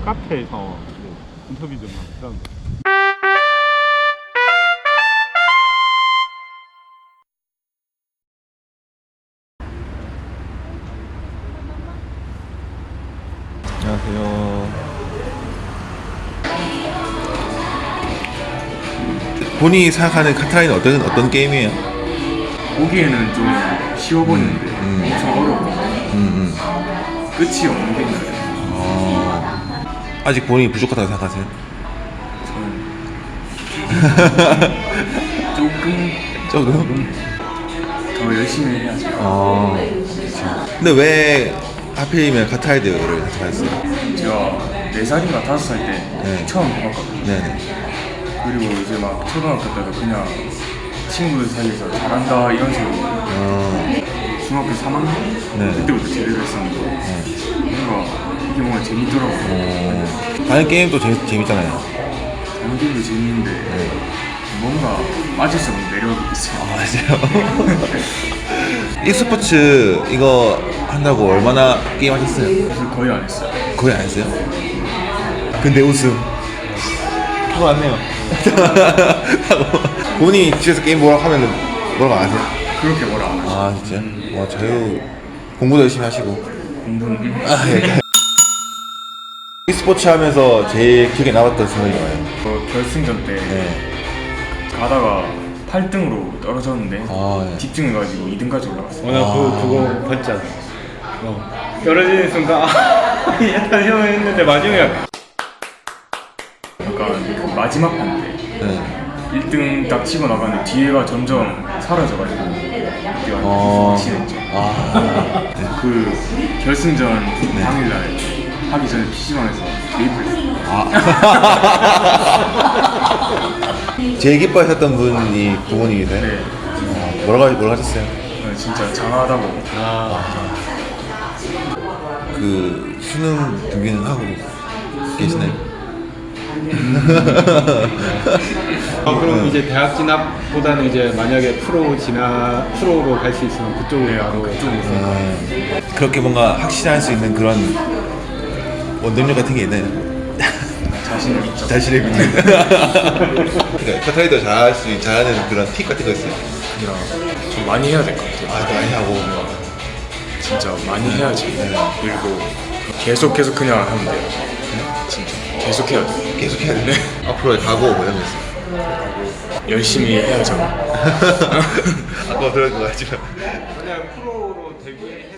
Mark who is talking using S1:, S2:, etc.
S1: 카페에서 인터뷰 좀 하면
S2: 안녕하세요. 본인이 생각하는 카타라는 어떤 게임이에요?
S3: 보기에는 좀 쉬워 보이는데 엄청 어렵고 끝이 없는 게 있나요?
S2: 아직 본인이 부족하다고 생각하세요?
S3: 저는
S2: 조금?
S3: 더 열심히 해야죠.
S2: 근데 왜 하필이면 카타이드를 선택하셨어요?
S3: 제가 4살인가 5살 때
S2: 네.
S3: 처음 해봤거든요.
S2: 네네.
S3: 그리고 이제 막 초등학교 때도 그냥 친구들 사이에서 잘한다 이런 식으로 중학교 3학년
S2: 네.
S3: 그때부터 제대로 했었는데 뭔가 이게 뭔가 재밌더라고요.
S2: 다른 게임도 재밌잖아요.
S3: 연기도 재밌는데 뭔가 빠질 수 없는 매력이 있어요.
S2: 맞아요. e스포츠 이거 한다고 얼마나 게임 하셨어요?
S3: 그래서 거의 안 했어요.
S2: 거의 안 했어요? 근데 우승. 그거 맞네요. 본인이 집에서 게임 뭐라고 하면 뭐라고 안 하세요?
S3: 그렇게 뭐라 안 하죠.
S2: 아 진짜요? 와 자유 공부도 열심히 하시고.
S3: 공부는
S2: 예. e스포츠 하면서 제일 기억에 남았던 순간이 뭐예요?
S3: 결승전 때
S2: 네.
S3: 가다가 8등으로 떨어졌는데
S2: 예.
S3: 집중해가지고 2등까지 올라갔어요.
S1: 나 그거 봤잖아. 떨어지는 순간 약간 형 했는데 마지막에
S3: 약간 그 마지막 판 때
S2: 네.
S3: 1등 딱 치고 나가는데 뒤에가 점점 사라져가지고 그때 완전 확신했죠. 그 결승전 당일날 하기 전에 PC방에서 메이플 했어요.
S2: 제일 기뻐하셨던 분이 부모님이세요?
S3: 네.
S2: 뭐라고 하셨어요?
S3: 진짜 장하다고.
S2: 그 수능 준비는 하고 계시나요?
S1: 그럼 이제 대학 진학보다는 이제 만약에 프로로 갈 수 있으면 그쪽으로 바로
S2: 그렇게 뭔가 확신할 수 있는 그런 원동력 같은 게 있나요?
S3: 자신을 믿죠.
S2: 자신의 믿는. 그러니까 카타이더 잘하는 그런 팁 같은 거 있어요?
S3: 그냥 좀 많이 해야 될 것 같아요.
S2: 많이 하고.
S3: 진짜 많이 해야지. 그리고 계속 그냥 하면 돼요. 진짜 계속 해야 돼.
S2: 계속 해야 돼. 앞으로의 각오 뭐 이런 거 있어요?
S3: 열심히 해야죠.
S2: 아까 들은 거 같지만.
S1: 만약 프로로 데뷔